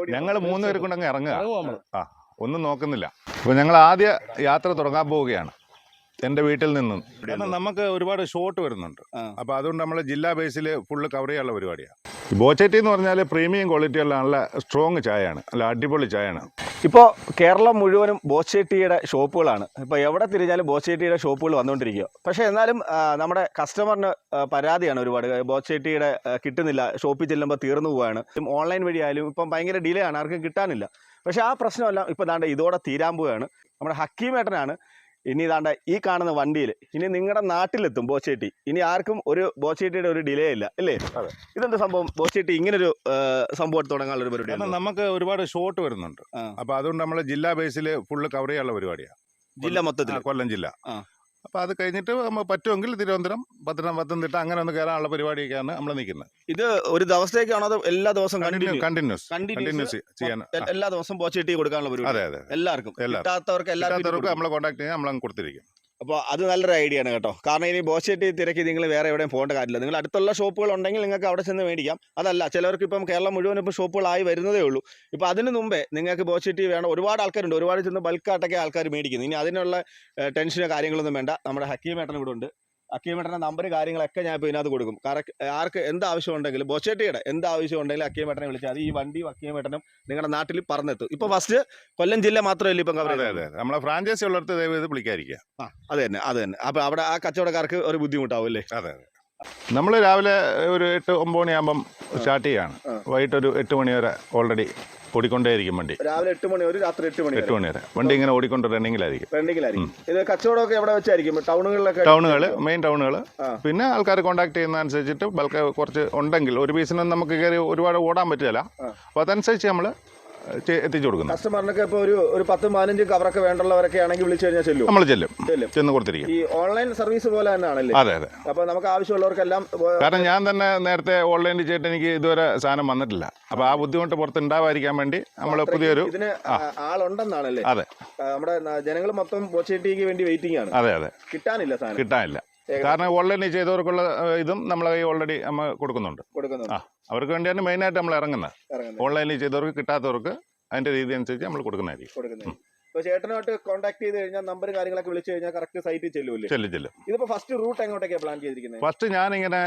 ഞങ്ങൾ 3 പേര് കൊണ്ടങ്ങ് ഇറങ്ങുക. ഒന്നും നോക്കുന്നില്ല. അപ്പോൾ ഞങ്ങൾ ആദ്യ യാത്ര തുടങ്ങാൻ പോവുകയാണ് എൻ്റെ വീട്ടിൽ നിന്നും. കാരണം നമുക്ക് ഒരുപാട് ഷോട്ട് വരുന്നുണ്ട്. അപ്പോൾ അതുകൊണ്ട് നമ്മൾ ജില്ലാ ബേസിൽ ഫുള്ള് കവർ ചെയ്യാനുള്ള പരിപാടിയാണ്. ബോച്ചേട്ടി എന്ന് പറഞ്ഞാൽ പ്രീമിയം ക്വാളിറ്റിയുള്ള നല്ല സ്ട്രോങ് ചായയാണ്, നല്ല അടിപൊളി ചായയാണ്. ഇപ്പോൾ കേരളം മുഴുവനും ബോച്ചേട്ടിയുടെ ഷോപ്പുകളാണ്. ഇപ്പോൾ എവിടെ തിരിഞ്ഞാലും ബോച്ചേട്ടിയുടെ ഷോപ്പുകൾ വന്നുകൊണ്ടിരിക്കുക. പക്ഷേ എന്നാലും നമ്മുടെ കസ്റ്റമറിന് പരാതിയാണ് ഒരുപാട്. ബോച്ചേട്ടിയുടെ കിട്ടുന്നില്ല, ഷോപ്പിൽ ചെല്ലുമ്പോൾ തീർന്നു പോവുകയാണ്. ഓൺലൈൻ വഴിയായാലും ഇപ്പം ഭയങ്കര ഡിലേ ആണ്, ആർക്കും കിട്ടാനില്ല. പക്ഷേ ആ പ്രശ്നമെല്ലാം ഇപ്പോൾ ദാണ്ട് ഇതോടെ തീരാൻ പോവുകയാണ്. നമ്മുടെ ഹക്കീമേട്ടനാണ് ഇനി ദാണ്ട ഈ കാണുന്ന വണ്ടിയിൽ ഇനി നിങ്ങളുടെ നാട്ടിലെത്തും ബോച്ചേട്ടി. ഇനി ആർക്കും ഒരു ബോച്ചേട്ടിയുടെ ഒരു ഡിലേ ഇല്ല, അല്ലേ? ഇതെന്താ സംഭവം? ബോച്ചേട്ടി ഇങ്ങനൊരു സംഭവം തുടങ്ങാനുള്ള ഒരു പരിപാടി. നമുക്ക് ഒരുപാട് ഷോട്ട് വരുന്നുണ്ട്. അപ്പോൾ അതുകൊണ്ട് നമ്മൾ ജില്ലാ ബേസിൽ ഫുള്ള് കവർ ചെയ്യാനുള്ള പരിപാടിയാണ്. ജില്ല മൊത്തത്തിൽ, കൊല്ലം ജില്ല. അപ്പോൾ അത് കഴിഞ്ഞിട്ട് പറ്റുമെങ്കിൽ തിരുവനന്തപുരം, പത്തനംതിട്ട അങ്ങനെ ഒന്ന് കയറാനുള്ള പരിപാടിയൊക്കെയാണ് നമ്മൾ നിൽക്കുന്നത്. ഇത് ഒരു ദിവസത്തേക്കാണോ അതോ എല്ലാ ദിവസവും കണ്ടിന്യൂസ് ചെയ്യാൻ? എല്ലാ ദിവസവും ബോച്ചേട്ടി കൊടുക്കാനുള്ള പരിപാടി. അതെ, എല്ലാവർക്കും എല്ലാവർക്കും നമ്മളെ കോൺടാക്ട് ചെയ്യാൻ നമ്മളങ്ങ് കൊടുത്തിരിക്കും. അപ്പോൾ അത് നല്ലൊരു ഐഡിയ ആണ് കേട്ടോ. കാരണം ഇനി ബോച്ചേട്ടി തിരക്കി നിങ്ങൾ വേറെ എവിടെയും പോകേണ്ട കാര്യമില്ല. നിങ്ങൾ അടുത്തുള്ള ഷോപ്പുകൾ ഉണ്ടെങ്കിൽ നിങ്ങൾക്ക് അവിടെ ചെന്ന് മേടിക്കാം. അതല്ല, ചിലവർക്ക് ഇപ്പം കേരളം മുഴുവൻ ഇപ്പോൾ ഷോപ്പുകളായി വരുന്നതേ ഉള്ളൂ. ഇപ്പോൾ അതിന് മുമ്പേ നിങ്ങൾക്ക് ബോച്ചേട്ടി വേണം. ഒരുപാട് ആൾക്കാരുണ്ട്, ഒരുപാട് ചെന്ന് ബൾക്കായിട്ടൊക്കെ ആൾക്കാർ മേടിക്കുന്നു. ഇനി അതിനുള്ള ടെൻഷനോ കാര്യങ്ങളൊന്നും വേണ്ട. നമ്മുടെ ഹക്കീമേട്ടൻ ഇവിടെ ഉണ്ട്. ഹക്കീമേട്ടൻ്റെ നമ്പർ കാര്യങ്ങളൊക്കെ ഞാൻ ഇപ്പോൾ ഇതിനകത്ത് കൊടുക്കും. ആർക്ക് എന്ത് ആവശ്യം ഉണ്ടെങ്കിലും, ബോച്ചേട്ടിയുടെ എന്ത് ആവശ്യം ഉണ്ടെങ്കിലും ഹക്കീമേട്ടനെ വിളിച്ചാൽ അത് ഈ വണ്ടി ഹക്കീമേട്ടനും നിങ്ങളുടെ നാട്ടിൽ പറഞ്ഞെത്തും. ഇപ്പോൾ ഫസ്റ്റ് കൊല്ലം ജില്ല മാത്രമല്ല ഇപ്പം കവർ ചെയ്തത്. നമ്മളെ ഫ്രാഞ്ചൈസി ഉള്ളിടത്ത് ദയവേത് വിളിക്കാതിരിക്കുക. അത് തന്നെ. അപ്പോൾ അവിടെ ആ കച്ചവടക്കാർക്ക് ഒരു ബുദ്ധിമുട്ടാവും, അല്ലേ? അതെ. നമ്മൾ രാവിലെ ഒരു 8-9 മണിയാകുമ്പം സ്റ്റാർട്ട് ചെയ്യാണ്. വൈകിട്ട് ഒരു 8 മണി വരെ ഓൾറെഡി ഓടിക്കൊണ്ടേയിരിക്കും വണ്ടി. രാവിലെ 8 മണി ഒരു രാത്രി 8 മണി വരെ വണ്ടി ഇങ്ങനെ ഓടിക്കൊണ്ട് റണ്ണിങ്ങിലായിരിക്കും. ഇത് കച്ചവടമൊക്കെ എവിടെ വെച്ചായിരിക്കും? ടൗണുകൾ, മെയിൻ ടൗണുകൾ. പിന്നെ ആൾക്കാർ കോൺടാക്ട് ചെയ്യുന്നതനുസരിച്ചിട്ട് ബൾക്ക് കുറച്ച് ഉണ്ടെങ്കിൽ ഒരു പീസിനും നമുക്ക് കയറി ഒരുപാട് ഓടാൻ പറ്റില്ല. അപ്പോൾ അതനുസരിച്ച് നമ്മൾ എത്തിച്ചു കൊടുക്കുന്നു. കസ്റ്റമറിനൊക്കെ ഇപ്പോൾ ഒരു 10-15 കവറൊക്കെ വേണ്ടുള്ളവരൊക്കെ ആണെങ്കിൽ വിളിച്ചു കഴിഞ്ഞാൽ നമ്മൾ ചെന്ന് കൊടുത്തിരിക്കും. ഈ ഓൺലൈൻ സർവീസ് പോലെ തന്നെയാണല്ലേ? അതെ. അപ്പോൾ നമുക്ക് ആവശ്യമുള്ളവർക്കെല്ലാം. കാരണം ഞാൻ തന്നെ നേരത്തെ ഓൺലൈനിൽ ചെയ്തിട്ട് എനിക്ക് ഇതുവരെ സാധനം വന്നിട്ടില്ല. അപ്പോൾ ആ ബുദ്ധിമുട്ട് പുറത്ത് ഉണ്ടാവാതിരിക്കാൻ വേണ്ടി നമ്മൾ പുതിയൊരു ആളുണ്ടെന്നാണല്ലേ? അതെ. നമ്മുടെ ജനങ്ങൾ മൊത്തം ബോച്ചേട്ടിക്ക് വേണ്ടി വെയിറ്റിംഗ് ആണ്. അതെ. കിട്ടാനില്ല. കാരണം ഓൺലൈനിൽ ചെയ്തവർക്കുള്ള ഇതും നമ്മളെ കൈ ഓൾറെഡി നമ്മൾ കൊടുക്കുന്നുണ്ട്. അവർക്ക് വേണ്ടിയാണ് മെയിനായിട്ട് നമ്മൾ ഇറങ്ങുന്നത്. ഓൺലൈനിൽ ചെയ്തവർക്ക് കിട്ടാത്തവർക്ക് അതിന്റെ രീതി അനുസരിച്ച് നമ്മൾ കൊടുക്കുന്നതായിരിക്കും. ചേട്ടനായിട്ട് കോൺടാക്ട് ചെയ്ത് കഴിഞ്ഞാൽ നമ്പർ കാര്യങ്ങളൊക്കെ വിളിച്ചു കഴിഞ്ഞാൽ കറക്റ്റ് സൈറ്റിൽ ചെല്ലും. ഇതിപ്പോ ഫസ്റ്റ് റൂട്ട് എങ്ങോട്ടൊക്കെയാണ് പ്ലാൻ ചെയ്തിരിക്കുന്നത്? ഫസ്റ്റ് ഞാനിങ്ങനെ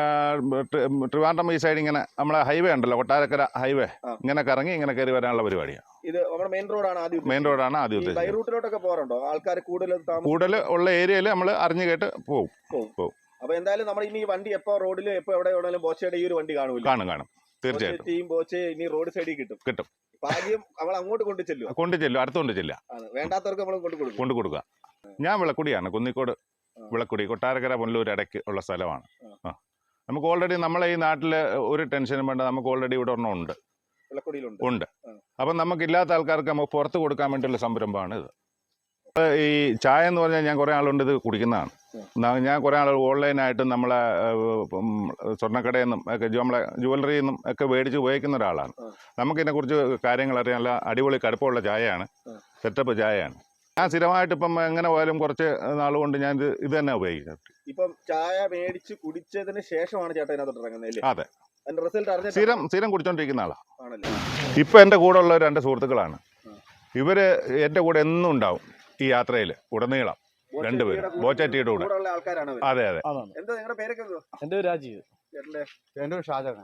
ട്രിവാൻഡ്രം ഈ സൈഡ് ഇങ്ങനെ നമ്മളെ ഹൈവേ ഉണ്ടല്ലോ, കൊട്ടാരക്കര ഹൈവേ, ഇങ്ങനെ കറങ്ങി ഇങ്ങനെ കയറി വരാനുള്ള പരിപാടിയാണ്. ഇത് നമ്മുടെ മെയിൻ റോഡാണ് ആദ്യം ഉദ്ദേശിച്ചത്. ബൈ റൂട്ടിലോട്ടൊക്കെ പോകാറുണ്ടോ ആൾക്കാർ? കൂടുതൽ ഉള്ള ഏരിയയിൽ നമ്മൾ അറിഞ്ഞു കേട്ട് പോകും. അപ്പൊ എന്തായാലും നമ്മൾ ഇനി വണ്ടി എപ്പോ റോഡിൽ എപ്പോ എവിടെ എവിടെയും ബോച്ചയുടെ ഈ ഒരു വണ്ടി കാണും തീർച്ചയായിട്ടും. ബോച്ചെ ഇനി റോഡ് സൈഡിൽ കിട്ടും. ഭാഗ്യം അവൾ അങ്ങോട്ട് കൊണ്ടുചെല്ലും, അടുത്തോണ്ട് ചെല്ലുക. വേണ്ടാത്തവർക്ക് നമ്മൾ കൊണ്ടു കൊടുക്കുക. ഞാൻ വിളക്കുടിയാണ്, കുന്നിക്കോട് വിളക്കുടി, കൊട്ടാരക്കര പുനലൂർ ഇടയ്ക്ക് ഉള്ള സ്ഥലമാണ്. നമുക്ക് ഓൾറെഡി നമ്മളെ ഈ നാട്ടിൽ ഒരു ടെൻഷനും വേണ്ട. നമുക്ക് ഓൾറെഡി ഇവിടെ ഒരെണ്ണം ഉണ്ട്. അപ്പം നമുക്കില്ലാത്ത ആൾക്കാർക്ക് നമുക്ക് പുറത്ത് കൊടുക്കാൻ വേണ്ടിയുള്ള സംരംഭമാണ് ഇത്. ഈ ചായ എന്ന് പറഞ്ഞാൽ ഞാൻ കുറേ ആളുണ്ട് ഇത് കുടിക്കുന്നതാണ്. ഞാൻ കുറേ ആൾ ഓൺലൈനായിട്ടും നമ്മളെ സ്വർണ്ണക്കടയിൽ നിന്നും ഒക്കെ നമ്മളെ ജുവലറിയിൽ നിന്നും ഒക്കെ മേടിച്ച് ഉപയോഗിക്കുന്ന ഒരാളാണ്. നമുക്കിതിനെക്കുറിച്ച് കാര്യങ്ങൾ അറിയാൻ നല്ല അടിപൊളി കടുപ്പമുള്ള ചായയാണ്, സെറ്റപ്പ് ചായയാണ്. ഞാൻ സ്ഥിരമായിട്ട് ഇപ്പം എങ്ങനെ പോയാലും കുറച്ച് നാളുകൊണ്ട് ഞാൻ ഇത് തന്നെ ഉപയോഗിക്കുന്നത്. ഇപ്പം ചായ മേടിച്ച് കുടിച്ചതിന് ശേഷമാണ് ചേട്ടൻ ഇതിനകത്ത് ഇറങ്ങുന്നത്? അതെ. സ്ഥിരം കുടിച്ചോണ്ടിരിക്കുന്ന ആളാണ്. ഇപ്പം എൻ്റെ കൂടെ ഉള്ള 2 സുഹൃത്തുക്കളാണ്. ഇവര് എൻ്റെ കൂടെ എന്നും ഉണ്ടാവും ഈ യാത്രയിൽ ഉടനീളം. 2 പേര് ബോച്ചേട്ടിയുടെ കൂടെ. അതെ. എന്റെ രാജീവ്. എന്റെ ഷാജഹാൻ.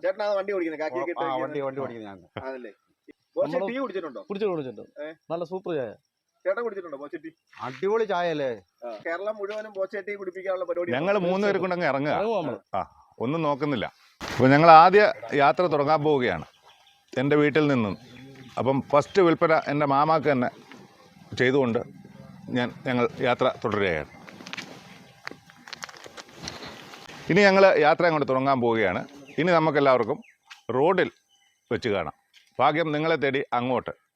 കുടിച്ചിട്ടുണ്ട്. നല്ല സൂപ്പർ ചായ. ചേട്ടൻ കുടിച്ചിട്ടുണ്ടോ ബോച്ചേട്ടി? അടിപൊളി ചായ അല്ലേ? കേരളം മുഴുവനും ബോച്ചേട്ടി കുടിപ്പിക്കാനുള്ള പരിപാടി. ഞങ്ങൾ 3 പേര് കൊണ്ടങ്ങ് ഇറങ്ങുക. ഒന്നും നോക്കുന്നില്ല. അപ്പോൾ ഞങ്ങൾ ആദ്യ യാത്ര തുടങ്ങാൻ പോവുകയാണ് എൻ്റെ വീട്ടിൽ നിന്നും. അപ്പം ഫസ്റ്റ് വിൽപ്പന എൻ്റെ മാമാക്ക് തന്നെ ചെയ്തുകൊണ്ട് ഞങ്ങൾ യാത്ര തുടരുകയാണ്. ഇനി ഞങ്ങൾ യാത്ര അങ്ങോട്ട് തുടങ്ങാൻ പോവുകയാണ്. ഇനി നമുക്കെല്ലാവർക്കും റോഡിൽ വെച്ച് കാണാം. ഭാഗ്യം നിങ്ങളെ തേടി അങ്ങോട്ട്.